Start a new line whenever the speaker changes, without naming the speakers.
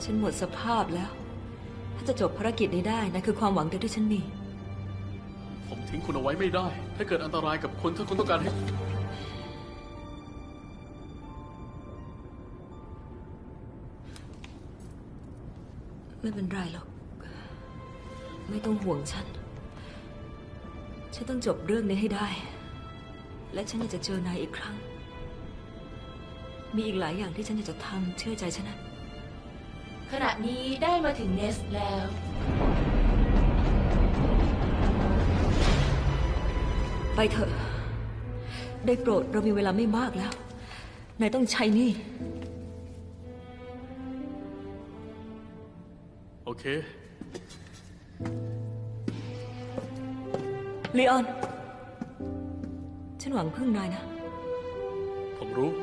ฉันหมดสภาพแล้วถ้าจะจบภารกิจนี้ได้นั่นคือความหวังเดียวที่ฉันมี
ผมทิ้งคุณเอาไว้ไม่ได้ ถ้าเกิดอันตรายกับคนถ้าคุณต้องการให้
ไม่เป็นไรหรอกไม่ต้องห่วงฉันต้องจบเรื่องนี้ให้ได้ และฉันอยากจะเจอนายอีกครั้งมีอีกหลายอย่างที่ฉันอยากจะทำเชื่อใจฉันนะ
ขณะนี้ได้มาถึงเนสแล้ว
ไปเถอะได้โปรดเรามีเวลาไม่มากแล้วนายต้องใช้นี่
โอเค
ลีออนฉันหวังพึ่งนายนะ
ผมรู้